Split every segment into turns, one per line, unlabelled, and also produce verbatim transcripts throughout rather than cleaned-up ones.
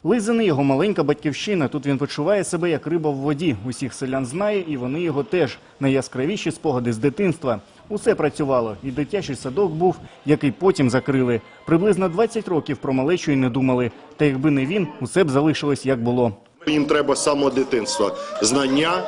Лизини – його маленька батьківщина. Тут він почуває себе як риба в воді. Усіх селян знає, і вони його теж. Найяскравіші спогади з дитинства. Усе працювало. І дитячий садок був, який потім закрили. Приблизно двадцять років про малечу й не думали. Та якби не він, усе б залишилось як було.
Їм треба з самого дитинства знання,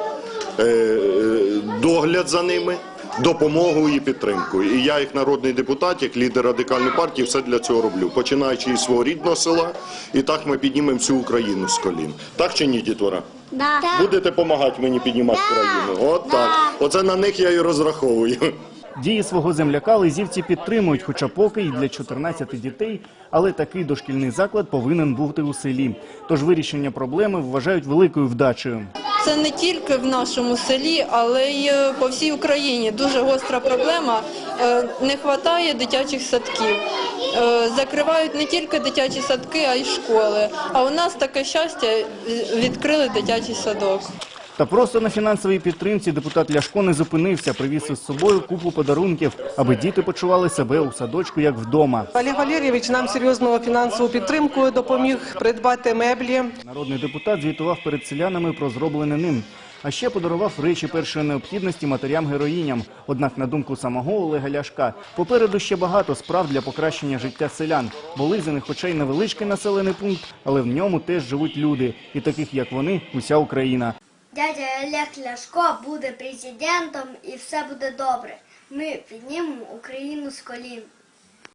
догляд за ними, допомогу і підтримку. І я, як народний депутат, як лідер Радикальної партії, все для цього роблю. Починаючи із свого рідного села, і так ми піднімемо всю Україну з колін. Так чи ні, дітвора?
Да.
Будете допомагати мені піднімати
Да.
країну? От так. Оце на них я і розраховую.
Дії свого земляка лизівці підтримують, хоча поки і для чотирнадцяти дітей, але такий дошкільний заклад повинен бути у селі. Тож вирішення проблеми вважають великою вдачею.
Це не тільки в нашому селі, але й по всій Україні. Дуже гостра проблема. Не вистачає дитячих садків. Закривають не тільки дитячі садки, а й школи. А у нас таке щастя – відкрили дитячий садок.
Та просто на фінансовій підтримці депутат Ляшко не зупинився, привіз із собою купу подарунків, аби діти почували себе у садочку як вдома.
Олег Валерійович нам серйозну фінансову підтримку допоміг придбати меблі.
Народний депутат звітував перед селянами про зроблене ним. А ще подарував речі першої необхідності матерям-героїням. Однак, на думку самого Олега Ляшка, попереду ще багато справ для покращення життя селян. Бо Лизини, хоча й невеличкий населений пункт, але в ньому теж живуть люди. І таких, як вони, уся Україна.
Дядя Олег Ляшко буде президентом і все буде добре. Ми піднімемо Україну з колін.